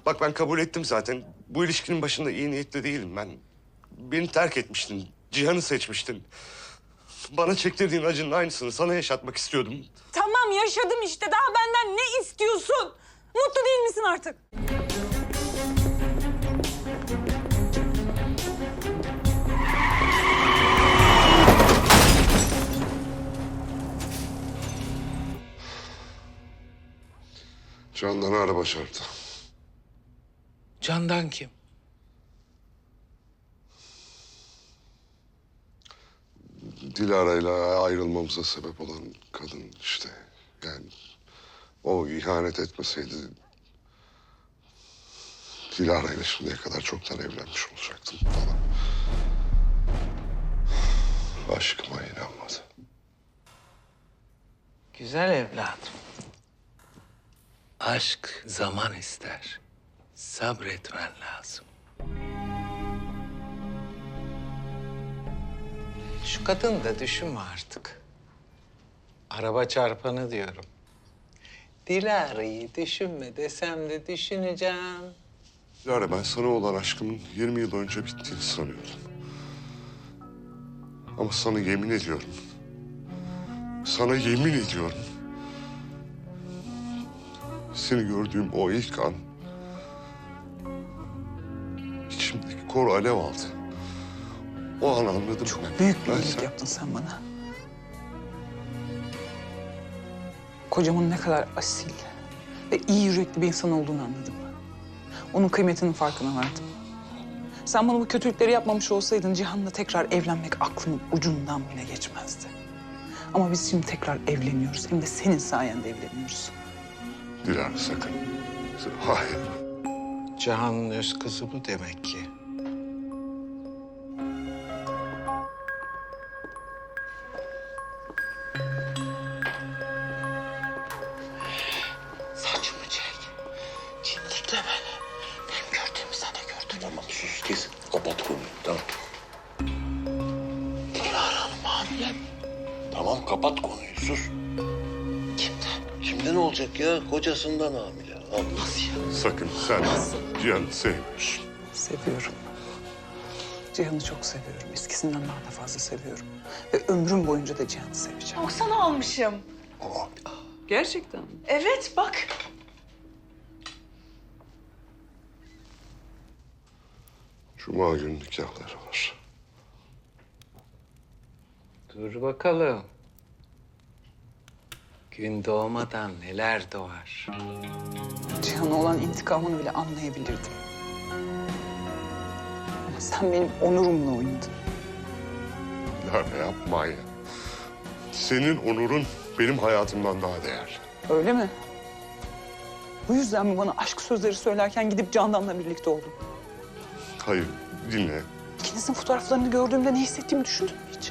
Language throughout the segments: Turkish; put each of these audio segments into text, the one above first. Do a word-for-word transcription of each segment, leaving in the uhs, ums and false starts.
Bak ben kabul ettim zaten. Bu ilişkinin başında iyi niyetli değilim ben. Beni terk etmiştin. Cihan'ı seçmiştin. Bana çektirdiğin acının aynısını sana yaşatmak istiyordum. Tamam yaşadım işte. Daha benden ne istiyorsun? Mutlu değil misin artık? Candan araba çarptı. Candan kim? Dilara'yla ayrılmamıza sebep olan kadın işte. Yani o ihanet etmeseydi Dilara'yla şimdiye kadar çoktan evlenmiş olacaktım falan. Aşkıma inanmadı. Güzel evladım. Aşk zaman ister. Sabretmen lazım. Şu kadını da düşünme artık. Araba çarpanı diyorum. Dilara'yı düşünme desem de düşüneceğim. Dilara ben sana olan aşkımın yirmi yıl önce bittiğini sanıyordum. Ama sana yemin ediyorum. Sana yemin ediyorum. Seni gördüğüm o ilk an içimdeki kor alev aldı. O an anladım. Çok ben. büyük bir Ben iyilik sen- yaptın sen bana. Kocamın ne kadar asil ve iyi yürekli bir insan olduğunu anladım. Onun kıymetinin farkına vardım. Sen bana bu kötülükleri yapmamış olsaydın Cihan'la tekrar evlenmek aklımın ucundan bile geçmezdi. Ama biz şimdi tekrar evleniyoruz. Hem de senin sayende evleniyoruz. Dilara sakın. Hayır. Cihan'ın öz kızı bu demek ki. Saçımı çek. Çimdikle beni. Benim gördüğümü sen de gördün. Tamam sus kes. Kapat konuyu tamam. Dilara Hanım hamile. Tamam kapat konuyu sus. Kimden? Şimdi ne olacak ya? Kocasından hamile. Allah. Sakın sen Cihan'ı sevmiyorsun. Seviyorum. Cihan'ı çok seviyorum. Eskisinden daha da fazla seviyorum. Ve ömrüm boyunca da Cihan'ı seveceğim. Baksana almışım. Gerçekten mi? Evet bak. Cuma günü nikahları var. Dur bakalım. Gün doğmadan neler doğar. Cihan'a olan intikamını bile anlayabilirdim. Ama sen benim onurumla oynadın. Dilara yapma ya. Senin onurun benim hayatımdan daha değerli. Öyle mi? Bu yüzden mi bana aşk sözleri söylerken gidip Candan'la birlikte oldun? Hayır dinle. İkinizin fotoğraflarını gördüğümde ne hissettiğimi düşündün mü hiç?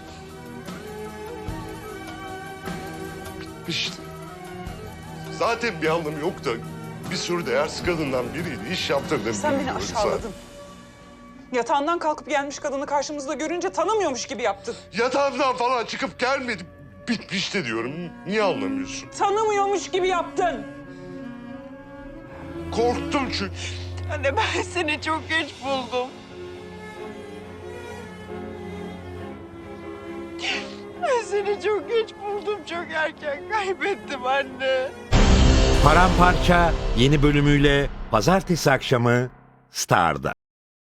İşte. Zaten bir anlamı yok da bir sürü değersiz kadından biriydi. İş yaptırdım. Sen beni bilmiyorum aşağıladın. zaten. Yatağından kalkıp gelmiş kadını karşımızda görünce tanımıyormuş gibi yaptın. Yatağımdan falan çıkıp gelmedi. Bitmişti diyorum. Niye anlamıyorsun? Tanımıyormuş gibi yaptın. Korktum çünkü. Anne ben seni çok geç buldum. Ben seni çok geç buldum. Çok erken kaybettim anne. Paramparça yeni bölümüyle pazartesi akşamı Star'da.